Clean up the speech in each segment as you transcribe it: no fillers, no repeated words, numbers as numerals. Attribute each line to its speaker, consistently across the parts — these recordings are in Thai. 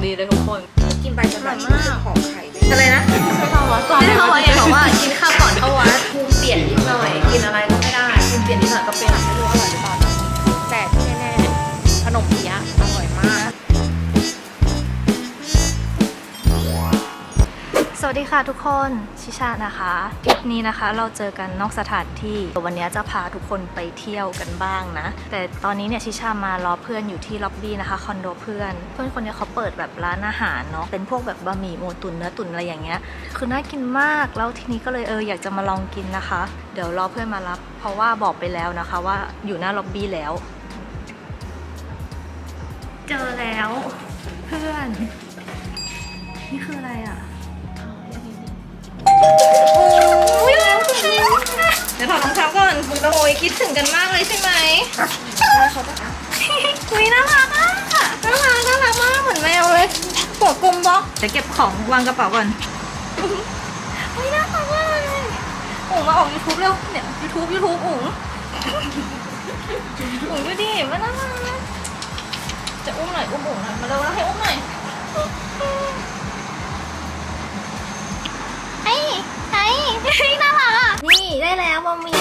Speaker 1: ดีเลยทุกคน
Speaker 2: กินไปจะแบบรู้สึกหอมไข่อะไรนะ
Speaker 1: เข้าวัดก่อนเข้าวัดเองบอกว่ากินข้าวก่อนเข้าวัดภูมิเปลี่ยนนิดหน่อยกินอะไรก็ไม่ได้ภูมิเปลี่ยนนิดหน่อยก็เป็นไม่รู้อร่อยหรือเปล่าแต่ที่แน่ๆขนมเปี๊ยะอร่อยมากสวัสดีค่ะทุกคนชิชานะคะคลิปนี้นะคะเราเจอกันนอกสถานที่วันนี้จะพาทุกคนไปเที่ยวกันบ้างนะแต่ตอนนี้เนี่ยชิชามารอเพื่อนอยู่ที่ล็อบบี้นะคะคอนโดเพื่อนคนนี้เขาเปิดแบบร้านอาหารเนาะเป็นพวกแบบบะหมี่หมูตุ๋นเนื้อตุ๋นอะไรอย่างเงี้ยคือน่ากินมากแล้วทีนี้ก็เลยอยากจะมาลองกินนะคะเดี๋ยวรอเพื่อนมารับเพราะว่าบอกไปแล้วนะคะว่าอยู่หน้าล็อบบี้แล้วเจอแล้วเพื่อนนี่คืออะไรอ่ะเดี๋ยวถอดรองเท้าก่อนคุณโอยคิดถึงกันมากเลยใช่ไหมคุยน่ารักอ่ะน่ารักมากเหมือนแมวเลยหัวกลมบล็อกเดี๋ยวเก็บของวางกระเป๋าก่อนคุยน่ารักมากเลยอุ๋งมาออก YouTube เร็วเนี่ย YouTube อุ๋งดูดิมันน่ารักจะอุ้มหน่อยอุ้มอุ๋งหน่อยมาเร็วให้อุ้มหน่อยน่ารักอ่ะนี่ได้แล้วบะหมี่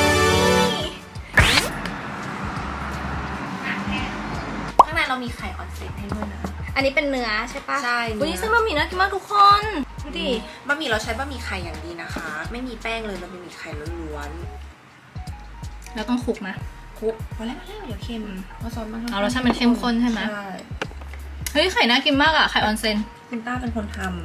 Speaker 1: ข้างในเรามีไข่ออนเซ็นให้ด้วยนะอันนี้เป็นเนื้อใช่ปะ
Speaker 2: ใช่
Speaker 1: วันนี้เส้นบะหมี่น่ากินมากทุกคนดูดิ
Speaker 2: บะหมี่เราใช้บะหมี่ไข่อย่างดีนะคะไม่มีแป้งเลยเราเป็นบะหมี่ไข่ล้วน
Speaker 1: ๆแล้วต้องคลุกนะ
Speaker 2: คลุกพอแล้วเดี๋ยวเค็มเราซอสมัน
Speaker 1: เอารสชาติมันเข้มข้นใช่ไหม
Speaker 2: ใช่
Speaker 1: เฮ้ยไข่น่ากินมากอ่ะไข่ออนเซ็น
Speaker 2: คุณต้าเป็นคนทำ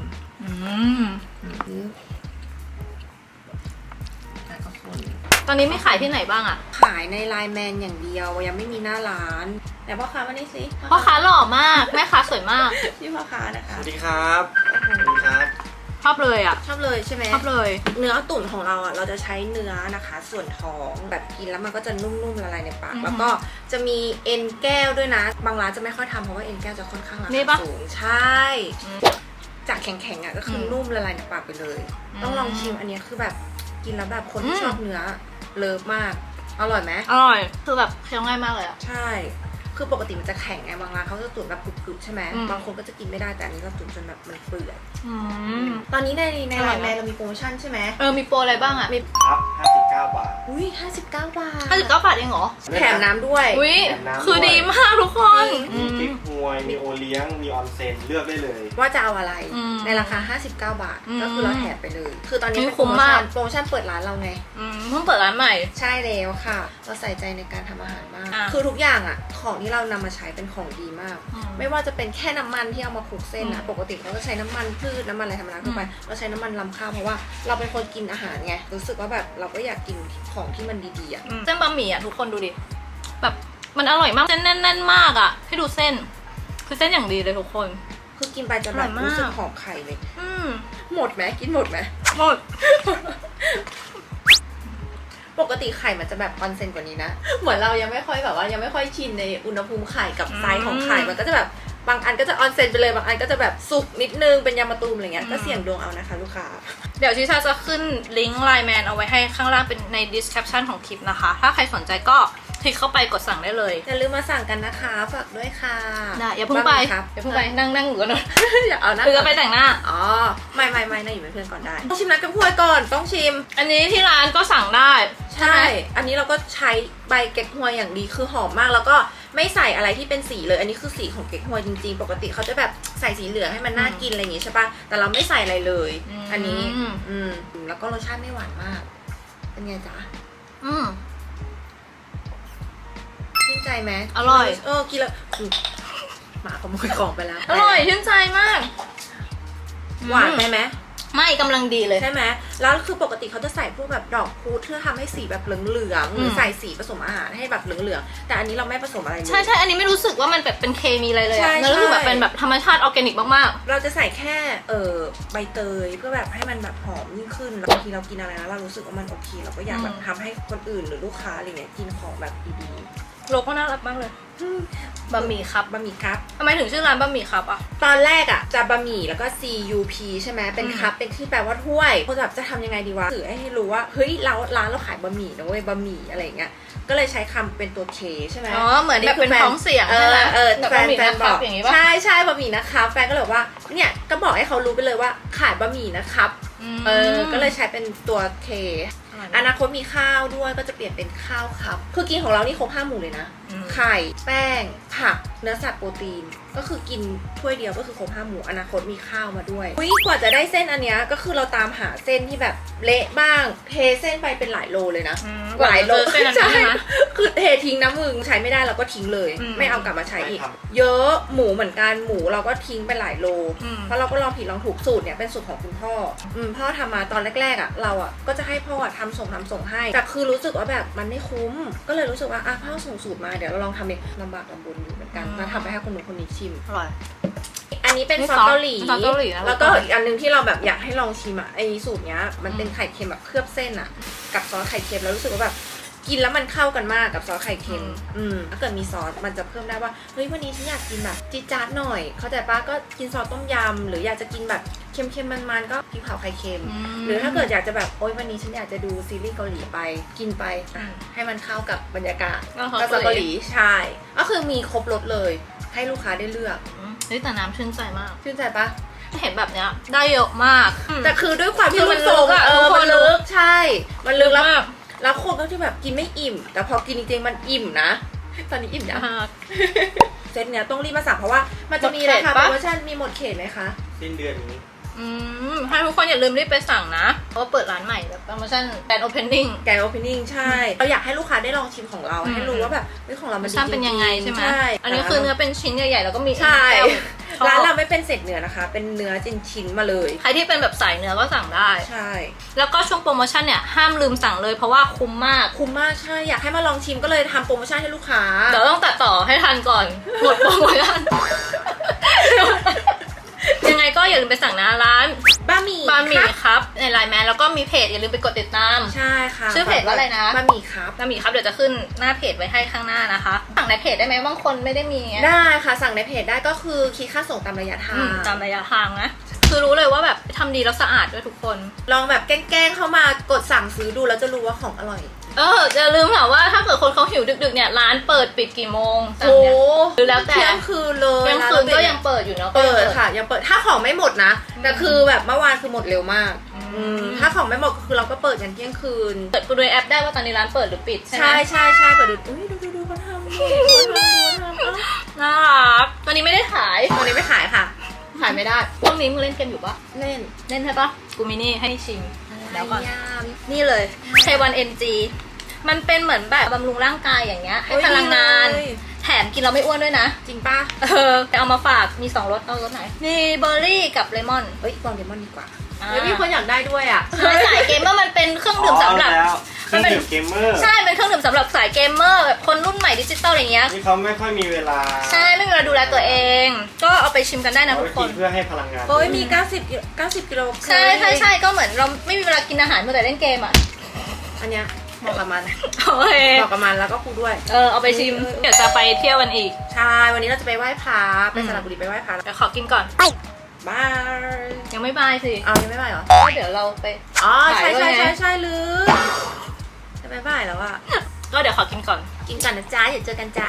Speaker 1: ตอนนี้ไม่ขายที่ไหนบ้างอ่ะ
Speaker 2: ขายในไลน์แมนอย่างเดียวยังไม่มีหน้าร้านแต่พ่อค้ามานี่สิ
Speaker 1: พ่อค้าหล่อมากแม่ค้าสวยมาก
Speaker 2: พี่พ่อค้านะคะ
Speaker 3: สวัสดีครับสวัสดีครับ
Speaker 1: ชอบเลยอ่ะ
Speaker 2: ชอบเลยใช่ไหม
Speaker 1: ชอบเลย
Speaker 2: เนื้อตุ๋นของเราอ่ะเราจะใช้เนื้อนะคะส่วนท้องแบบกินแล้วมันก็จะนุ่มๆละลายในปากแล้วก็จะมีเอ็นแก้วด้วยนะบางร้านจะไม่ค่อยทำเพราะว่าเอ็นแก้วจะค่อนข้างราคาสูงใช่จากแข็งๆอ่ะก็คือนุ่มละลายในปากไปเลยต้องลองชิมอันนี้คือแบบกินแล้วแบบคนที่ชอบเนื้อเลิฟมากอร่อยไหม
Speaker 1: อร่อยคือแบบเคี้ยวง่ายมากเลยอ่ะ
Speaker 2: ใช่คือปกติมันจะแข็งไงบางร้านเขาจะตุ๋นแบบกรุบๆใช่ไหมบางคนก็จะกินไม่ได้แต่อันนี้เราตุ๋นจนแบบมันเปื่อยตอนนี้ในไลน์แมนเรามีโปรโมชั่นใช่ไหม
Speaker 1: มีโปรอะไรบ้างอ่ะ
Speaker 3: มีครับ59 บาท
Speaker 2: อุ้ย59 บาท
Speaker 1: 59 บาทเองเหรอ
Speaker 2: แถมน้ำด้วย
Speaker 1: อุ้ยคือดีมากทุกคน
Speaker 3: มีกิ๊กฮวยมีโอเลี้ยงมีออนเซ็นเลือกได้เลย
Speaker 2: ว่าจะเอาอะไรในราคา59 บาทก็คือเราแถมไปเลยคือตอนนี้เป็นโปรโมชั่นเปิดร้านเราไง
Speaker 1: เพิ่งเปิดร้านใหม่
Speaker 2: ใช่แล้วค่ะเราใส่ใจในการทำอาหารมากคือทุกอย่างอ่ะของที่เรานำมาใช้เป็นของดีมากไม่ว่าจะเป็นแค่น้ำมันที่เอามาคลุกเส้นนะปกติเราก็ใช้น้ำมันพืชน้ำมันอะไรธรรมดาทั่วไปเราใช้น้ำมันรำข้าวเพราะว่าเราเป็นคนกินอาหารไงรู้สึกว่าแบบเราก็อยากกินของที่มันดีๆอ่ะ
Speaker 1: เส้นบะหมี่อ่ะทุกคนดูดิแบบมันอร่อยมากเส้นแน่นๆมากอ่ะให้ดูเส้นคือเส้นอย่างดีเลยทุกคน
Speaker 2: คือกินไปจะแบบรู้สึกหอมไข่เลยหมดไหมกินหมดไหม
Speaker 1: หมด
Speaker 2: ปกติไข่มันจะแบบออนเซนกว่านี้นะเหมือนเรายังไม่ค่อยแบบว่ายังไม่ค่อยชินในอุณหภูมิไข่กับไซส์ของไข่มันก็จะแบบบางอันก็จะออนเซนไปเลยบางอันก็จะแบบสุกนิดนึงเป็นยำมะตูมอะไรเงี้ยก็เสี่ยงดวงเอานะคะลูกค้า
Speaker 1: เดี๋ยวชิชาจะขึ้นลิงก์ไลน์แมนเอาไว้ให้ข้างล่างเป็นใน description ของคลิปนะคะถ้าใครสนใจก็คลิกเข้าไปกดสั่งได้เลย
Speaker 2: อย่าลืมมาสั่งกันนะคะฝากด้วยค่ะ
Speaker 1: อย่าเพิ่งไปนั่งอยู่กันหน่อย
Speaker 2: อย่าเอานะ
Speaker 1: คือจะไปแต่งหน้า
Speaker 2: อ๋อไม่นะอยู่เป็นเพื่อนก่อนได้ต้องชิมน้ำแกงฮวยก่อนต้องชิม
Speaker 1: อันนี้ที่ร้านก็สั่งได้
Speaker 2: ใช่อันนี้เราก็ใช้ใบเก๊กฮวยอย่างดีคือหอมมากแล้วก็ไม่ใส่อะไรที่เป็นสีเลยอันนี้คือสีของเก๊กฮวยจริงๆปกติเขาจะแบบใส่สีเหลืองให้มันน่ากินอะไรอย่างงี้ใช่ปะแต่เราไม่ใส่อะไรเลยอันนี้แล้วก็รสชาติไม่หวานมากเป็นไงจ๊ะชื่นใจไหม
Speaker 1: อร่อย
Speaker 2: กินแล้วหมาขโมยของไปแล้ว
Speaker 1: อร่อยชื่นใจมาก
Speaker 2: หวานไปไหม
Speaker 1: ไม่กำลังดีเลย
Speaker 2: ใช่ไหมแล้วคือปกติเขาจะใส่พวกแบบดอกพุธเพื่อทำให้สีแบบเหลืองๆหรือใส่สีผสมอาหารให้แบบเหลืองๆแต่อันนี้เราไม่ผสมอะไรเลย
Speaker 1: ใช่อันนี้ไม่รู้สึกว่ามันแบบเป็นเคมีอะไรเลยแล้วรู้สึกแบบเป็นแบบธรรมชาติออร์แกนิกมาก
Speaker 2: ๆเราจะใส่แค่ใบเตยเพื่อแบบให้มันแบบหอมยิ่งขึ้นบางทีเรากินอะไรแล้วเรารู้สึกว่ามันโอเคเราก็อยากแบบทำให้คนอื่นหรือลูกค้าอะไรเงี้ยกินของแบบดี
Speaker 1: โลโก้น่ารักมากเลยบะหมี่ครับ
Speaker 2: บะหมี่ครับ
Speaker 1: ทำไมถึงชื่อร้านบะหมี่ครับอ่ะ
Speaker 2: ตอนแรกอ่ะจะบะหมี่แล้วก็ CUP ใช่ไหมเป็นครับเป็นที่แปลว่าถ้วยคนแบบจะทำยังไงดีวะสื่อให้รู้ว่าเฮ้ยร้านเราขายบะหมี่นะเว้ยบะหมี่อะไรอย่างเงี้ยก็เลยใช้คำเป็นตัว K ใช่ไหม
Speaker 1: อ๋อเหมือนแบบเป็นท้องเสียงใช่ไหมแบบ
Speaker 2: แฟ
Speaker 1: บะ
Speaker 2: น
Speaker 1: หมี่
Speaker 2: แฟน
Speaker 1: นะ
Speaker 2: บ
Speaker 1: ครั
Speaker 2: อบ ก
Speaker 1: อย่างงี้ป่ะ
Speaker 2: ใช่บะหมี่นะครับแฟนก็เลยบอกว่าเนี่ยก็บอกให้เขารู้ไปเลยว่าขายบะหมี่นะครับก็เลยใช้เป็นตัว K อนาคตมีข้าวด้วยก็จะเปลี่ยนเป็นข้าวครับคือกินของเรานี่ครบ5 หมู่เลยนะไข่แป้งผักเนื้อสัตว์โปรตีนก็คือกินถ้วยเดียวก็คือครบ5 หมู่อนาคตมีข้าวมาด้วยกว่าจะได้เส้นอันเนี้ยก็คือเราตามหาเส้นที่แบบเละบ้างเทเส้นไปเป็นหลายโลเลยนะหลายโลใช่คือเททิ้งนะมึงใช้ไม่ได้เราก็ทิ้งเลยไม่เอากลับมาใช้อีกเยอะหมูเหมือนกันหมูเราก็ทิ้งไปหลายโลเพราะเราก็ลองผิดลองถูกสูตรเนี่ยเป็นสูตรของคุณพ่อพ่อทำมาตอนแรกๆอ่ะเราอ่ะก็จะให้พ่อทำส่งให้แต่คือรู้สึกว่าแบบมันไม่คุ้มก็เลยรู้สึกว่าพ่อส่งสูตรมาเดี๋ยวเราลองทำเองลำบากลำบนอยู่เหมือนกันมาทำไปให้คนนู้นคนนี้ชิม
Speaker 1: อร่อย
Speaker 2: อันนี้เป็นซอสเกาหลี
Speaker 1: ซอสเกาหลีนะ
Speaker 2: แล้วก็อีกอันนึงที่เราแบบอยากให้ลองชิมอ่ะไอสูตรเนี้ยมันเป็นไข่เค็มแบบเคลือบเส้นอ่ะกับซอสไข่เค็มแล้วรู้สึกว่าแบบกินแล้วมันเข้ากันมากกับซอสไข่เค็มถ้าเกิดมีซอสมันจะเพิ่มได้ว่าเฮ้ยวันนี้ฉันอยากกินแบบจี๊ดจ๊าดหน่อยเข้าใจปะก็กินซอสต้มยำหรืออยากจะกินแบบเค็มๆมันๆก็พริกเผาไข่เค็มหรือถ้าเกิดอยากจะแบบโอ๊ยวันนี้ฉันอยากจะดูซีรีส์เกาหลีไปกินไปให้มันเข้ากับบรรยากาศก็ซอสเกาหลีใช่ก็คือมีครบรสเลยให้ลูกค้าได้เลือก
Speaker 1: เฮ้ยแต่น้ำชื่นใจมาก
Speaker 2: ชื่นใจปะ
Speaker 1: เห็นแบบเนี้ยได้เยอะมาก
Speaker 2: แต่คือด้วยความที่มันลึกอะมันลึกใช่มันลึกแล้วคนก็ที่แบบกินไม่อิ่มแต่พอกินจริงๆมันอิ่มนะตอนนี้อิ่มยังเซตเนี้ยต้องรีบมาสั่งเพราะว่ามันจะมีราคาโปรโมชั่นมีหมดเขตไหมคะ
Speaker 3: สิ้นเดือนนี้
Speaker 1: ให้ทุกคนอย่าลืมรีบไปสั่งนะเพราะว่าเปิดร้านใหม่แบบโปรโมชั่นแกรนด์โอเพนนิ่ง
Speaker 2: ใช่เราอยากให้ลูกค้าได้ลองชิมของเราให้รู้ว่าแบบของเรามันดีจริง
Speaker 1: เป็นยังไงใช่ไหมอันนี้คือเนื้อเป็นชิ้นใหญ่ๆแล้วก็มี
Speaker 2: ใช่ร้านเราไม่เป็นเศษเนื้อนะคะเป็นเนื้อชิ้นมาเลย
Speaker 1: ใครที่เป็นแบบสายเนื้อก็สั่งได้
Speaker 2: ใช่
Speaker 1: แล้วก็ช่วงโปรโมชั่นเนี่ยห้ามลืมสั่งเลยเพราะว่าคุ้มมาก
Speaker 2: ใช่อยากให้มาลองชิมก็เลยทำโปรโมชั่นให้ลูกค้า
Speaker 1: เดี๋ยวต้องตัดต่อให้ทันก่อนหมดโปรโมชั่นยังไงก็อย่าลืมไปสั่งนะร้าน
Speaker 2: บะหมี่
Speaker 1: ครับในไลน์แมนแล้วก็มีเพจอย่าลืมไปกดติดตาม
Speaker 2: ใช่ค่ะ
Speaker 1: ชื่อเพจว่าอะไรนะ
Speaker 2: บะหมี่ครับ
Speaker 1: เดี๋ยวจะขึ้นหน้าเพจไว้ให้ข้างหน้านะคะสั่งในเพจได้ไหมบางคนไม่ได้มี
Speaker 2: ได้ค่ะสั่งในเพจได้ก็คือคิดค่าส่งตามระยะทาง
Speaker 1: นะคือรู้เลยว่าแบบทำดีแล้วสะอาดด้วยทุกคน
Speaker 2: ลองแบบแกล้งเข้ามากดสั่งซื้อดูแล้วจะรู้ว่าของอร่อย
Speaker 1: อย่าลืมค่ะว่าถ้าเกิดคนเขาหิวดึกๆเนี่ยร้านเปิดปิดกี่โมง
Speaker 2: โอ้
Speaker 1: หรือแล้วแต่
Speaker 2: เที่ยงคืนเลย
Speaker 1: เที่ยงคืนก็ยังเปิดอยู่เนาะ
Speaker 2: เปิดค่ะยังเปิดถ้าของไม่หมดนะแต่คือแบบเมื่อวานคือหมดเร็วมากถ้าของไม่หมดก็คือเราก็เปิดกันเที่ยงคืน
Speaker 1: เปิดดูในแอปได้ว่าตอนนี้ร้านเปิดหรือปิดใช่ไหม
Speaker 2: ใช่เปิดดูดูเขาทำ
Speaker 1: น่ารักตอนนี้ไม่ได้ขาย
Speaker 2: ไม่ขายค่ะขายไม่ได้
Speaker 1: ช่วงนี้มึงเล่นเกมอยู่ปะ
Speaker 2: เล่น
Speaker 1: ใช่ปะกูมินี่ให้ชิมแล้วก่อนนี่เลยK1NGมันเป็นเหมือนแบบบำรุงร่างกายอย่างเงี้ยให้พลังงานแถมกินเราไม่อ้วนด้วยนะ
Speaker 2: จริงป่ะ
Speaker 1: แต่เอามาฝากมี2รสเอารสไหนมีเบอร์รี่กับเลมอน
Speaker 2: ลองเลมอนดีกว่าแล้วมีคนอยากได้ด้วยอ่ะ
Speaker 1: สายเกมเมอร์มันเป็นเครื่องดื่มสำหรับ
Speaker 3: มันเป็นเกมเมอร์
Speaker 1: ใช่เป็นเครื่องดื่มสำหรับสายเกมเมอร์แบบคนรุ่นใหม่ดิจิตอลอะไรเงี้ย
Speaker 3: ที่เขาไม่ค่อยมีเวลา
Speaker 1: ใช่ไม่มีเวลาดูแลตัวเองก็เอาไปชิมกันได้นะทุกคน
Speaker 3: เพื่อให้พลังงาน
Speaker 2: มี90 กิโล
Speaker 1: ใช่ก็เหมือนเราไม่มีเวลากินอาหารเมื่อแต่เล่นเกมอ่ะ
Speaker 2: อันเนี้ยเหมาะกับมัน
Speaker 1: เห
Speaker 2: มาะกับมันแล้วก็คูด้วย
Speaker 1: เอาไปชิมเดี๋ยวจะไปเที่ยววันอีก
Speaker 2: ใช่วันนี้เราจะไปไหว้พระไปสระบุรีไปไหว้พระ
Speaker 1: เดี๋ยวขอกินก่อน
Speaker 2: บาย
Speaker 1: ยังไม่บายสิ
Speaker 2: ยังไม่บายเหรอ
Speaker 1: เดี๋ยวเราไป
Speaker 2: ใช่ลืมจะไปบายแล้วอ่ะ
Speaker 1: ก็เดี๋ยวขอกินก่อน
Speaker 2: นะจ๊ะเดี๋ยวเจอกันจ้า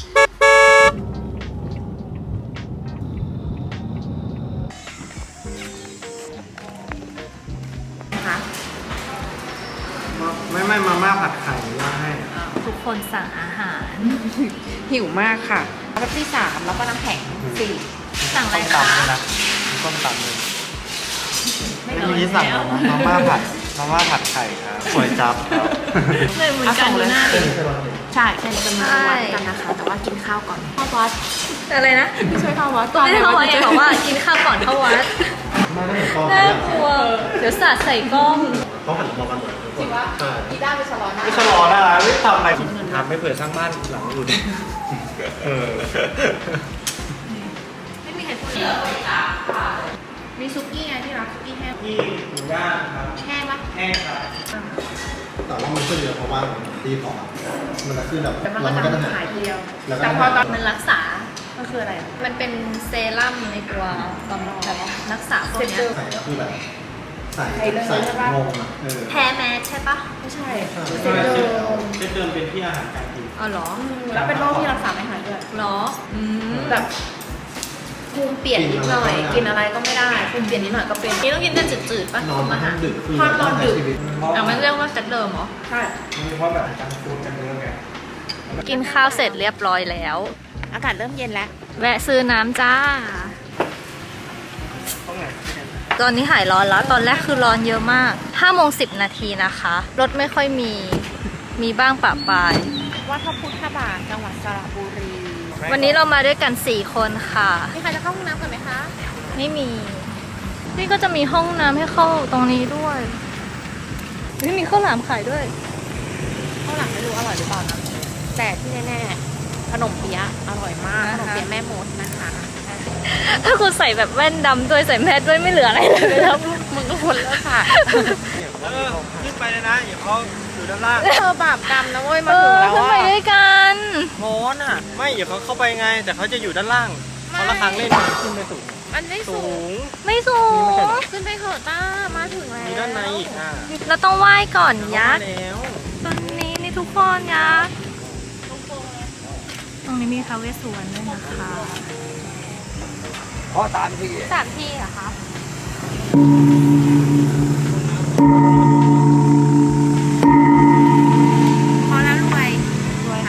Speaker 3: ไม่มาม่าผัดไข่ว่าให้
Speaker 1: ทุกคนสั่งอาหาร
Speaker 2: หิวมากค่ะเป๊ปซี่3แล้วก็น้ำแข็ง4
Speaker 1: สั่งอะไรคะ
Speaker 3: ต้มตำเลยไม่มีสั่งมาม่าผัดไข่ครับก๋วยจั๊บครับ
Speaker 1: เลยเหมือนกันเลย
Speaker 2: ใช่เป็นวัดกันนะคะแต่ว่ากินข้าวก่อนเข้าวัด
Speaker 1: อะไรนะ
Speaker 2: ไม่ช่วยเข้าวัดก่อน
Speaker 1: ไม่ได้เข้าวัดบอกว่ากินข้าวก่อนเข้าวัดน่ากลัวเดี๋ยวสาดใส่กล้อง
Speaker 3: เขาหันมองกันหมด
Speaker 2: จริงวะกีตาร์ไปชะลอหน้า
Speaker 3: ไม่ชะลอหน้าไม่ทำอะไรทำไม่เผื่อสร้างบ้านหลังอื่น
Speaker 1: ไม่มีใครพูด
Speaker 2: มีซุกี้ไงที่รักซุกี้แห้ง
Speaker 3: ที่หมูย่างครับ
Speaker 2: แห้งปะ
Speaker 3: แห้งครับแต่ว่ามันขึ้นเยอะเพราะว่าตีพอมันจะขึ้นแบบ
Speaker 2: แต่มัน
Speaker 3: แล้ว
Speaker 2: ก็
Speaker 3: มันก็
Speaker 2: จะ
Speaker 3: จะหา
Speaker 2: หาย ยทีเดียว
Speaker 3: แล้วก็
Speaker 2: แต่พอตอน
Speaker 1: มันรักษา
Speaker 2: มันคืออะไรอะ
Speaker 1: มันเป็นเซรั่มในตัวแบบรักษาพวกเนี้ย
Speaker 3: ใส่ก็คือแบบใส่
Speaker 2: ใส่เลย
Speaker 3: ใส่
Speaker 2: ใช่ปะ
Speaker 3: งงอ่ะ
Speaker 1: แพ้แมสใช่ปะ
Speaker 2: ไม่ใช่
Speaker 3: ใช่
Speaker 2: เซตเดิม
Speaker 3: เส้นเดิมเป็นที่อาหารการกิน
Speaker 1: อ๋อเหรอ
Speaker 2: แล้วเป็นโรคที่รักษาไม่หายด้วย
Speaker 1: เหรอม
Speaker 2: แบบภูมิเปลี่ยนนิดหน่อย กินอะไรก็ไม่ได้ภูมิเปลี่ยนนิดหน่อยก็เป็น
Speaker 1: นี่ต้องกินแต่จืดๆปะ
Speaker 3: นอนมาทั้งดึกคือ
Speaker 2: พอตอนดึก
Speaker 3: ใช้ชีวิต
Speaker 1: อ่ะมันเรียกว่าเซตเดิมเหรอ
Speaker 2: ใช่
Speaker 3: เพราะแบบจังฟูดกันเยอะไง
Speaker 1: กินข้าวเสร็จเรียบร้อยแล้ว
Speaker 2: อากาศเริ่มเย็นแล้ว
Speaker 1: แวะซื้อน้ำจ้า ตอนนี้หายร้อนแล้ว ตอนแรกคือร้อนเยอะมาก5:10 น.นะคะ รถไม่ค่อยมีบ้างปะปาย
Speaker 2: วัดพระพุทธบาทจังหวัดสระบุรี
Speaker 1: วันนี้เรามาด้วยกัน4 คนค่ะ
Speaker 2: มีใครจะเข้าห้องน้ำกันไหมคะ
Speaker 1: ไม่มี นี่ก็จะมีห้องน้ำให้เข้าตรงนี้ด้วยไม่มีข้าวหลามขายด้วย
Speaker 2: ข้าวหลังไม่รู้อร่อยหรือเปล่านะแต่ที่แน่ๆขนมเปี๊ยะอร่อยมาก
Speaker 1: นะคะ
Speaker 2: ขนมเปี๊ยะแม่มดนะคะ
Speaker 1: ถ้าคุณใส่แบบแว่นดำด้วยใส่แมสด้วยไม่เหลืออะไรเลยแล้ว
Speaker 2: มึงก็ควรเลิกค่ะ
Speaker 3: ขึ้นไปเลยนะอย่าเขาอยู่ด้านล่าง
Speaker 2: เธอบาปกรรมนะเว้ยมาถึงแล้ว
Speaker 1: ขึ้น
Speaker 2: อ่ะ
Speaker 1: ไปด้วยกัน
Speaker 3: โมนอ่ะ ไม่อย่าเขาเข้าไปไง แต่เขาจะอยู่ด้านล่างเขาละครั้งเล่นขึ้นไปสูง
Speaker 2: มันไม่สูง
Speaker 1: ไม่สูง
Speaker 2: ขึ้นไปเถอะต้ามาถึงแล้ว
Speaker 3: มีด้านในอีกอ่ะ
Speaker 1: เราต้องไหว้ก่อนยักษ์
Speaker 3: แล้ว
Speaker 1: ตอนนี้นี่ทุกคนยักษ์ตรงนี้มีท้าวเวสสุวรรณด้วยนะคะ
Speaker 3: เพราะตามที่
Speaker 1: 3 ที่เหรอคะพอแล้วรวย
Speaker 2: รวยค่ะ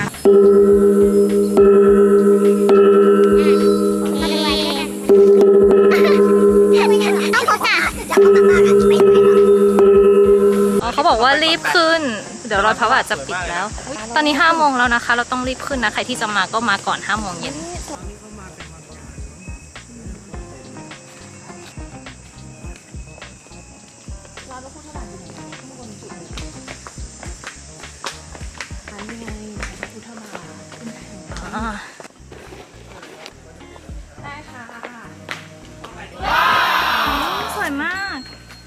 Speaker 1: อ๋อเขาบอกว่ารีบขึ้น เดี๋ยวรอยพระบาทจะปิดแล้ว ตอนนี้5 โมงแล้วนะคะ เราต้องรีบขึ้นนะ ใครที่จะมาก็มาก่อน5 โมงเย็น
Speaker 2: อันนี้ไงพุทธบาท
Speaker 1: อ่า
Speaker 2: ได้ค่ะ
Speaker 1: สวยมาก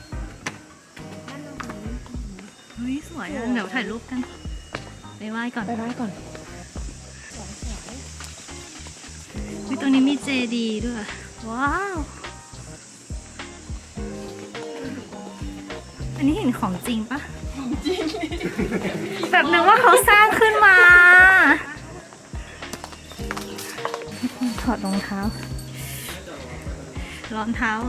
Speaker 1: เฮ้ยสวยอ่ะเดี๋ยวถ่ายรูปกัน ไปไหว้ก่อน
Speaker 2: ไปไหว้ก่อน
Speaker 1: วิตรงนี้มีเจดีย์ด้วย ว้าว อันนี้เห็นของจริงปะของจริง แบบนึกว่าเขาสร้างขึ้นมา ถอดรองเท้า รองเท้า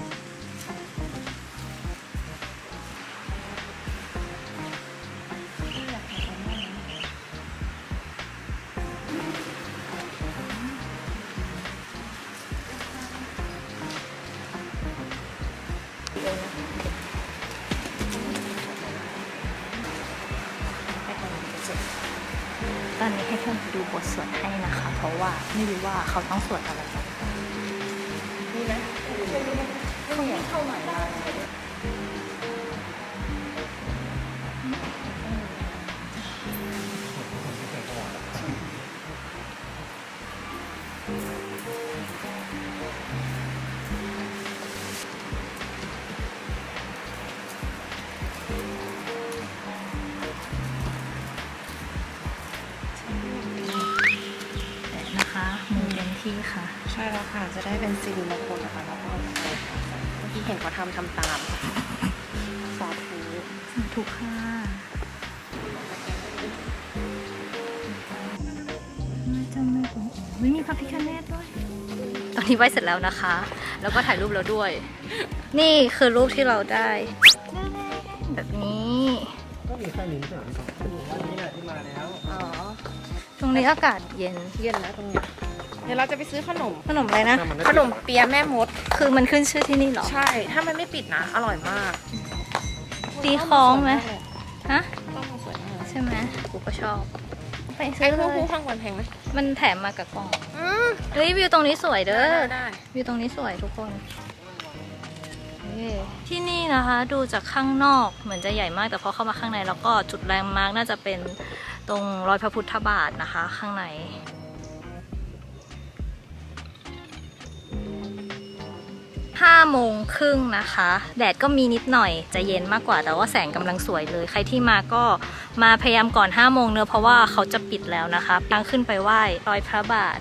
Speaker 1: ตอนนี้ให้เพื่อนดูบทสวดให้นะคะ เพราะว่าไม่รู้ว่าเขาต้องสวดอะไรกัน
Speaker 2: นี่ไหม
Speaker 1: เขาอยากเข้าหน่อยมานะคะมือเต็มที่ค่ะ
Speaker 2: ใช่แล้วค่ะ จะได้เป็นสิริมงคลนะคะแล้วก็เมื่อกี้เห็นเขาทำตามสาธุ
Speaker 1: ถูกค่ะจำไม่ถูกไม่มีพระพิฆเนศด้วย ตอนนี้ไหว้เสร็จแล้วนะคะ แล้วก็ถ่ายรูปแล้วด้วย นี่คือรูปที่เราได้ แบบนี้
Speaker 3: ก็มีแค่นี้ใช่ไหมวันนี้แหละที่มาแล้ว
Speaker 2: อ๋อ
Speaker 1: ตรงนี้อากาศเย็น
Speaker 2: เย็นแล้วตรงเนี้ยเดี๋ยวเราจะไปซื้อขนม
Speaker 1: ขนมอะไรนะ
Speaker 2: ขนมเปี๊ยะแม่มด
Speaker 1: คือมันขึ้นชื่อที่นี่เหรอ
Speaker 2: ใช่ ถ้ามันไม่ปิดนะ อร่อยมาก
Speaker 1: ตีคล้องไหมฮะ
Speaker 2: ต้องมาสวยมาก
Speaker 1: ใช่ไหมกูก็ชอบ ไปซื้
Speaker 2: ไอ้
Speaker 1: อ
Speaker 2: คู่
Speaker 1: เล
Speaker 2: คู่
Speaker 1: ย
Speaker 2: ข้างวันแพงไหม
Speaker 1: มันแถมมากับกล่อง
Speaker 2: อืม
Speaker 1: เฮ้ยวิวตรงนี้สวยเด้อ
Speaker 2: ได้
Speaker 1: วิวตรงนี้สวยทุกคนที่นี่นะคะดูจากข้างนอกเหมือนจะใหญ่มากแต่พอเข้ามาข้างในแล้วก็จุดแลนด์มาร์กน่าจะเป็นตรงรอยพระพุทธบาทนะคะ ข้างใน 5 โมงครึ่งนะคะ แดดก็มีนิดหน่อยจะเย็นมากกว่าแต่ว่าแสงกำลังสวยเลย ใครที่มาก็มาพยายามก่อน 5 โมงเนอะเพราะว่าเขาจะปิดแล้วนะคะทางขึ้นไปไหว้รอยพระบาท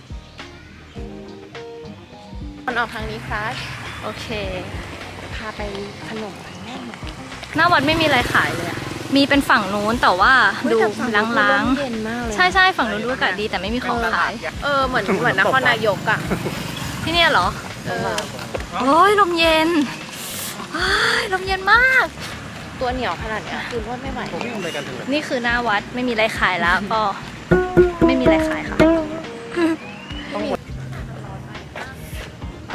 Speaker 2: มันออกทางนี้ครับ
Speaker 1: โอเค
Speaker 2: พาไปขนมกันแน่นอน
Speaker 1: หน้าวัดไม่มีอะไรขายเลยอะมีเป็นฝั่งนู้นแต่ว่าดูล้าง
Speaker 2: เย็นมากเลย
Speaker 1: ๆ ใช่ฝั่งนู้นดูอากาศดีแต่ไม่มีของขาย
Speaker 2: เหมือนนครนายกอ่ะ
Speaker 1: ที่เนี่ยเหรอ โอ้ยลมเย็นอ้ายลมเย็นมาก
Speaker 2: ตัวเหนียวขนาดเนี้ยคือรวดไม่ไหว
Speaker 3: ผมวิ่งไปกันถึงเลย
Speaker 1: นี่คือหน้าวัดไม่มีอะไรขายแล้วก็ไม่มีอะไรขายค่ะไป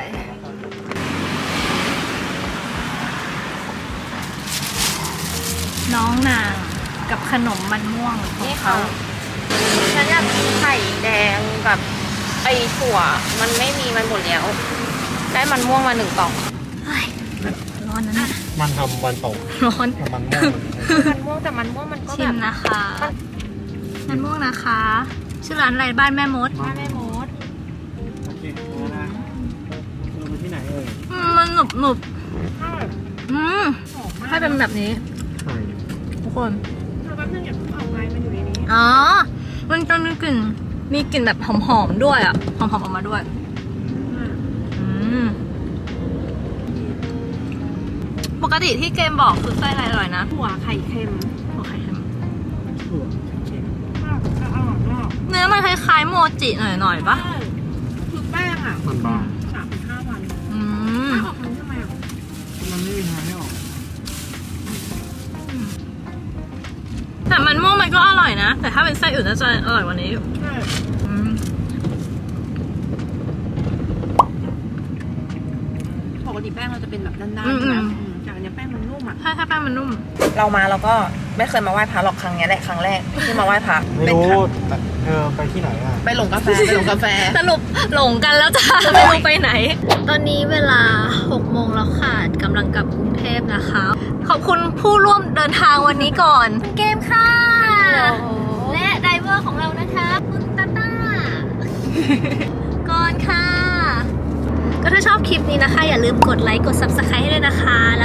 Speaker 1: น้องนางกับขนมมันม่วงของเขา
Speaker 2: ฉันอยากกินไข่แดงกับไอถั่วมันไม่มีมันหมดแล้ว ได้มันม่วงมา1 กล่อง
Speaker 1: เฮ้ยร้อนนะเนี่ย
Speaker 3: มันทำวันตก
Speaker 1: ร้อน
Speaker 3: มันม่วง
Speaker 2: มันม่วงแต่มันม่วงมันก็
Speaker 1: ชิ
Speaker 2: แบ
Speaker 1: ม
Speaker 2: บ
Speaker 1: นะคะมันม่วงนะคะ ชื่อร้านอะไรบ้านแม่มด
Speaker 2: แม่มด
Speaker 3: โอเคนะเราไปที่ไหนเอ่ย
Speaker 1: มันหนุบให้เป็นแบบนี้
Speaker 3: ไข่
Speaker 1: ทุกคน
Speaker 2: เราแป๊บนึงอย่าเพิ่งออกไปมันอยู่ในนี้
Speaker 1: อ๋อ มันจะมีกลิ่นแบบหอมๆด้วยอ่ะ หอมๆออกมาด้วย ปกติที่เกมบอกคือไส้อะไรอร่อยนะ
Speaker 2: ถั่วไข่เค็ม
Speaker 1: หัวไข่เค็ม
Speaker 3: ถั่วเค็ม
Speaker 2: ก็อร่อยมาก
Speaker 1: เนื้อมันคล้ายๆโมจิหน่อยๆปะ
Speaker 2: คือแป้งอ่ะ
Speaker 3: มันบาง
Speaker 2: 3-5 วัน
Speaker 1: อืม
Speaker 2: ออกทางทำไมอ่ะ
Speaker 3: มันไม่มีทางให้ออก
Speaker 1: แต่มันม่วงมันก็อร่อยนะ แต่ถ้าเป็นไส้อื่นน่าจะอร่อยกว่านี้อยู่
Speaker 2: ใช่
Speaker 1: อืม
Speaker 2: ปกติแป้งเราจะเป็นแบบด้าน
Speaker 1: อื
Speaker 2: ๆ
Speaker 1: ม
Speaker 2: ใช่ไหมจากอันนี้แป้งมันนุ่มอ่ะ
Speaker 1: ถ้าแป้งมันนุ่ม
Speaker 2: เรามาเราก็ไม่เคยมาไหว้พระหรอกครั้งนี้แหละครั้งแรกที่มาไหว้พระ
Speaker 3: ไม่รู้แต่เธอไปที่ไหนอ่ะ
Speaker 2: ไปหลงกาแฟไปหลงกาแฟ
Speaker 1: สรุปหลงกันแล้วจ้าไม่รู้ไปไหน ตอนนี้เวลา 6 โมงแล้วค่ะกำลังกลับกรุงเทพนะคะ ขอบคุณผู้ร่วมเดินทางวันนี้ก่อนคุณเกมค่ะ และไดเวอร์ของเรานะคะคุณตาต้า ก่อนค่ะ ก็ถ้าชอบคลิปนี้นะคะ อย่าลืมกดไลค์กด Subscribe ให้ด้วยนะคะ